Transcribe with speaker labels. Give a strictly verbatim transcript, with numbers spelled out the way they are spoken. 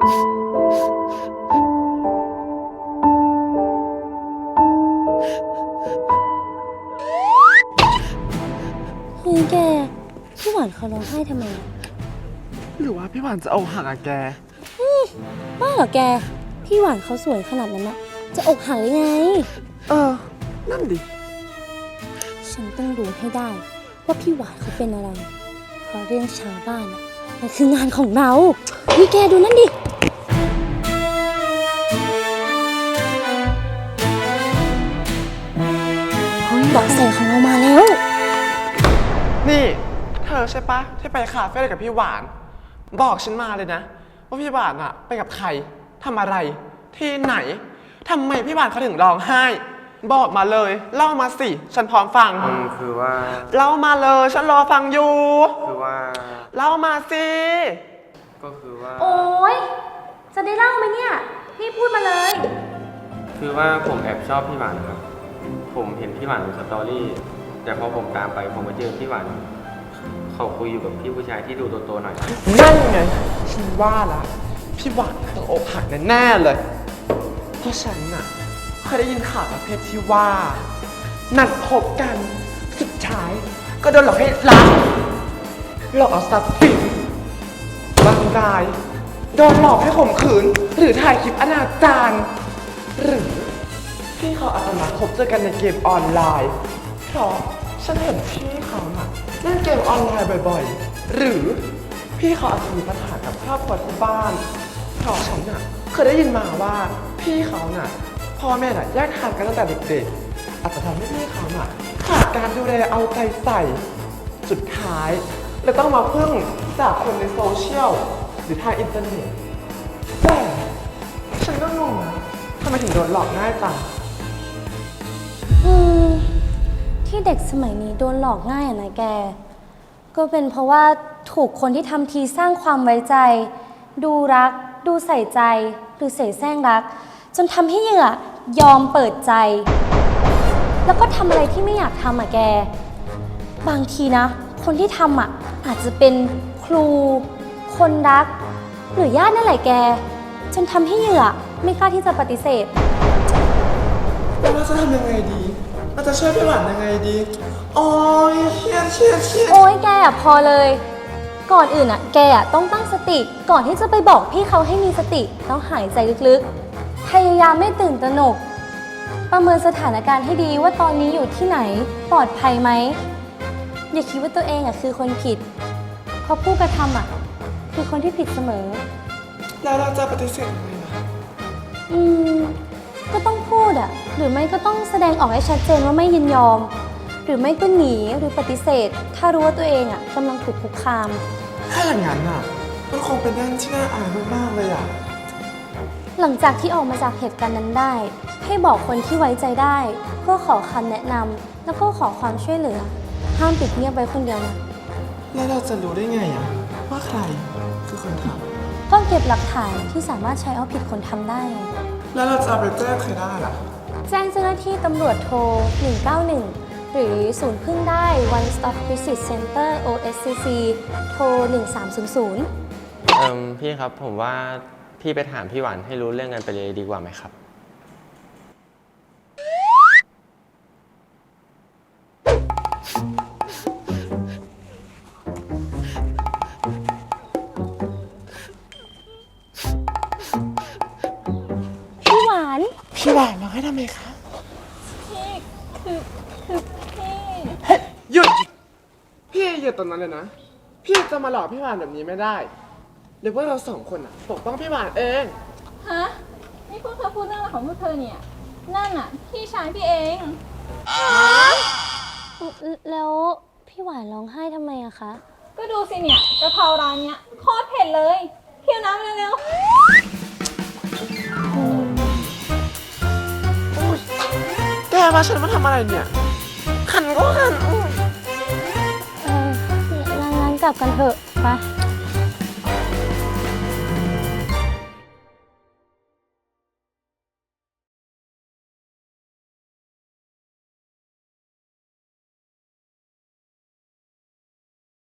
Speaker 1: เฮ้ยแกพี่หวานเขาร้องไห้ทำไมอะ
Speaker 2: หรือว่าพี่หวานจะเอาหักอะแก
Speaker 1: บ้าเหรอแกพี่หวานเขาสวยขนาดนั้นอะจะอกหักได้ไง
Speaker 2: เออนั่นดิ
Speaker 1: ฉันต้องรู้ให้ได้ว่าพี่หวานเขาเป็นอะไรเพราะเรื่องชาวบ้านอะมันคืองานของเรานี่แกดูนั่นดิเบาะแสของเรามาแล้ว
Speaker 2: นี่เธอใช่ปะที่ไปคาเฟ่กับพี่หวานบอกฉันมาเลยนะว่าพี่หวานอะไปกับใครทำอะไรที่ไหนทำไมพี่หวานเขาถึงร้องไห้บอกมาเลยเล่ามาสิฉันพร้อมฟัง
Speaker 3: คือว่า
Speaker 2: เล่ามาเลยฉันรอฟังอยู่
Speaker 3: คือว่า
Speaker 2: เล่ามาสิ
Speaker 3: ก็คือว่า
Speaker 1: โอ๊ยจะได้เล่าไหมเนี่ยนี่พูดมาเลย
Speaker 3: คือว่าผมแอบชอบพี่หวานครับผมเห็นพี่หวานในสตอรี่แต่พอผมตามไปผมมาเจอพี่หวานเขาคุยอยู่กับพี่ผู้ชายที่ดูโตๆหน่อย
Speaker 2: นั่นไงฉันว่าละพี่หวานต้องอกหักแน่ๆเลยเพราะฉันน่ะเคยได้ยินข่าวประเภทที่ว่านัดพบกันสุดท้ายก็โดนหลอกให้รักหลอกเอาทรัพย์สินบางรายโดนหลอกให้ข่มขืนหรือถ่ายคลิปอนาจารหรือพี่เขาอาจจะมาพบเจอกันในเกมออนไลน์เพราะฉันเห็นพี่เขาน่ะเล่นเกมออนไลน์บ่อยๆหรือพี่เขาอาจจะมีปัญหากับครอบครัวที่บ้านเพราะฉันน่ะเคยได้ยินมาว่าพี่เขาน่ะพ่อแม่น่ะแยกทางกันตั้งแต่เด็กๆอาจจะทำให้พี่เขาน่ะขาดการดูแลเอาใจใส่สุดท้ายเลยต้องมาพึ่งจากคนในโซเชียลหรือทางอินเทอร์เน็ตแต่ฉันก็งงนะทำไมถึงโดนหลอกง่ายจัง
Speaker 1: อืมที่เด็กสมัยนี้โดนหลอกง่ายอะนะแกก็เป็นเพราะว่าถูกคนที่ทำทีสร้างความไว้ใจดูรักดูใส่ใจหรือเสแสร้งรักจนทำให้เหยื่อยอมเปิดใจแล้วก็ทำอะไรที่ไม่อยากทำอะแกบางทีนะคนที่ทำอะอาจจะเป็นครูคนรักหรือญาตินั่นแหละแกจนทำให้เหยื่อไม่กล้าที่จะปฏิเสธ
Speaker 2: แล้วเราจะทำยังไงดีเราจะช่วยพี่หวานยังไงดีโอ้ยเครียดเครียดเครียด
Speaker 1: โอ้ยแกอะพอเลยก่อนอื่นอะแกอะต้องตั้งสติก่อนที่จะไปบอกพี่เขาให้มีสติต้องหายใจลึกๆพยายามไม่ตื่นตระหนกประเมินสถานการณ์ให้ดีว่าตอนนี้อยู่ที่ไหนปลอดภัยไหมอย่าคิดว่าตัวเองอะคือคนผิดเพราะผู้กระทำอะคือคนที่ผิดเสมอ
Speaker 2: แล้วเราจะปฏิเสธยังไงล่ะ
Speaker 1: อืมก็ต้องพูดอะหรือไม่ก็ต้องแสดงออกให้ชัดเจนว่าไม่ยินยอมหรือไม่ก็หนีหรือปฏิเสธถ้ารู้ว่าตัวเองอะกำลังถูกคุกคาม
Speaker 2: ถ้าอย่างนั้นอะมันคงเป็นเรื่องที่น่าอายมากๆเลยอะ
Speaker 1: หลังจากที่ออกมาจากเหตุการณ์นั้นได้ให้บอกคนที่ไว้ใจได้เพื่อขอคำแนะนำแล้วก็ขอความช่วยเหลือห้ามปิดเงียบไว้คนเดียวนะ
Speaker 2: แล้วเราจะรู้ได้ไงอะว่าใครคือคนท
Speaker 1: ำก็เก็บหลักฐานที่สามารถใช้เอาผิดคนทำได้
Speaker 2: แล้วเราจะไปแจ้งใครได้ล่ะ
Speaker 1: แจ้งเจ้าหน้าที่ตำรวจโทรหนึ่งเก้าหนึ่งหรือศูนย์พึ่งได้ One Stop Crisis Center โอ เอส ซี ซี โทรหนึ่งสามศูนย์ศูนย์
Speaker 3: เอ่อพี่ครับผมว่าพี่ไปถามพี่หวานให้รู้เรื่องกันไปเลยดีกว่าไหมครับ
Speaker 1: พี่หวาน
Speaker 2: พี่หวานร้องให้ทำไมคะ
Speaker 1: พี่คือคือพี่
Speaker 2: หยุดพี่หยุดตรงนั้นเลยนะพี่จะมาหลอกพี่หวานแบบนี้ไม่ได้เดี๋ยวพวกเราสองคนอ่ะปกป้องพี่หวานเอง
Speaker 4: ฮะนี่พวกเธอพูดเรื่องอะไรของพวกเธอเนี่ยนั่นน่ะพี่ชายพี่เอง
Speaker 1: แล้วพี่หวานร้องไห้ทำไมอะคะ
Speaker 4: ก็ดูสิเนี่ยกะเพราร้านเนี้ยโคตรเผ็ดเลยเคี่ยวน้ำเร็ว
Speaker 2: แกมาฉันมาทำอะไรเนี่ยขันก็ขัน
Speaker 1: เอองั้นกลับกันเถอะไป